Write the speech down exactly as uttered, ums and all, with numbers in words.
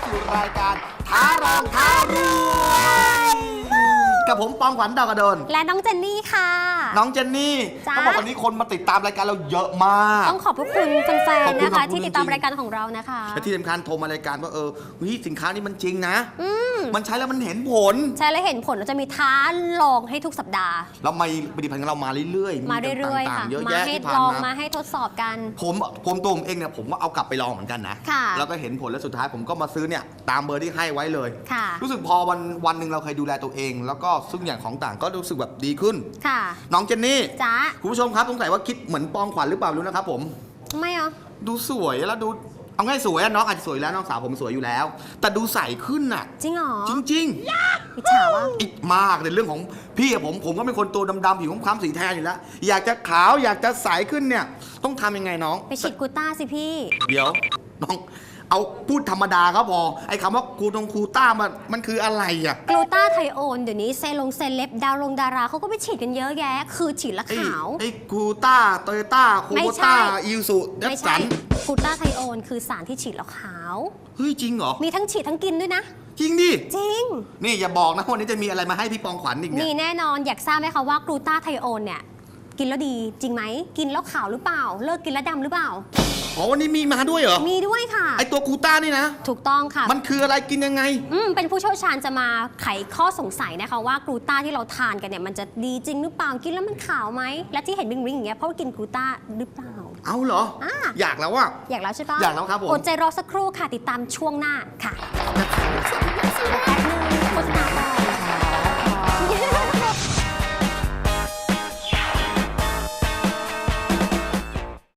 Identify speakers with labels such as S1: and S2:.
S1: สู่รายการท้ารองท้ารวยกับผมปองขวัญดาวกระโดน
S2: และน้องเจนนี่ค่ะ
S1: น้องเจนนี่เขาบอกวันนี้คนมาติดตามรายการเราเยอะมาก
S2: ต้องขอบพระคุณแฟนๆนะคะที่ติดตามรายการของเรานะคะ
S1: และที่สำคัญโทรมารายการว่าเออวิสินค้านี้มันจริงนะมันใช้แล้วมันเห็นผล
S2: ใช่แล้วเห็นผลเราจะมีท้าลองให้ทุกสัปดาห์
S1: เรามีผลิตภัณฑ์ของเรามาเรื่อย
S2: ๆมาเรื่อยๆค่ะมาให้ลองมาให้ทดสอบกัน
S1: ผมผมตัวผมเองเนี่ยผมก็เอากลับไปลองเหมือนกันนะแล้วก็เห็นผลแล้วสุดท้ายผมก็มาซื้อเนี่ยตามเบอร์ที่ให้ไว้เลยรู้สึกพอวันวันหนึ่งเราเคยดูแลตัวเองแล้วก็ซึ่งอย่างของต่างก็รู้สึกแบบดีขึ้น
S2: ค่ะ
S1: น้องเจนนี่
S2: จ้า
S1: คุณผู้ชมครับสงสัยว่าคิดเหมือนปองขวัญหรือเปล่ารู้นะครับผม
S2: ไม่เหรอ
S1: ดูสวยแล้วดูเอาง่ายสวยน้องอาจจะสวยแล้วน้องสาวผมสวยอยู่แล้วแต่ดูใสขึ้นน่ะ
S2: จริงเหรอ
S1: จริง
S2: ๆอิจฉาวะ
S1: อีกมากในเรื่องของพี่ผมผมก็เป็นคนตัวดำๆผิวคล้ำๆสีแทนอยู่แล้วอยากจะขาวอยากจะใสขึ้นเนี่ยต้องทำยังไงน้อง
S2: ไปฉีดกูต้าสิพี่
S1: เดี๋ยวน้องเอาพูดธรรมดาก็พอไอ้คำว่ากูตรงกูต้ามันมันคืออะไรอะ
S2: กลูต้าไทโอนเดี๋ยวนี้เซลงเซเลบดาวลงดาราเขาก็ไปฉีดกันเยอะแยะคือฉีดละขาว
S1: ไอ้กูต้าโตโยต้าโคโบต้าอิวสุเดฟสัน
S2: กลูต้าไทโอนคือสารที่ฉีดแล้วขาว
S1: เฮ้ยจริงเหรอ
S2: มีทั้งฉีดทั้งกินด้วยนะ
S1: จริงดิ
S2: จริง
S1: นี่อย่าบอกนะวันนี้จะมีอะไรมาให้พี่ปองขวัญอีกเนี่ย
S2: นี่แน่นอนอยากทราบไหมคะว่ากลูต้าไทโอนเนี่ยกินแล้วดีจริงไหมกินแล้วขาวหรือเปล่าเลิกกินแล้วดำหรือเปล่า
S1: อ๋อวันนี้มีมาด้วยเหรอ
S2: มีด้วยค่ะ
S1: ไอตัวกูต้านี่นะ
S2: ถูกต้องค่ะ
S1: มันคืออะไรกินยังไง
S2: อืมเป็นผู้เชี่ยวชาญจะมาไขข้อสงสัยนะคะว่ากลูต้าที่เราทานกันเนี่ยมันจะดีจริงหรือเปล่ากินแล้วมันขาวไหมและที่เห็นริงริงอย่างเงี้ยเพราะว่ากินกลูต้าหรือเปล่า
S1: เอาเหรออ่อยากแล้วว่า
S2: อยากแล้วใช่ปะ
S1: อยากแล้วครับผม
S2: อดใจรอสักครู่ค่ะติดตามช่วงหน้าค่ะ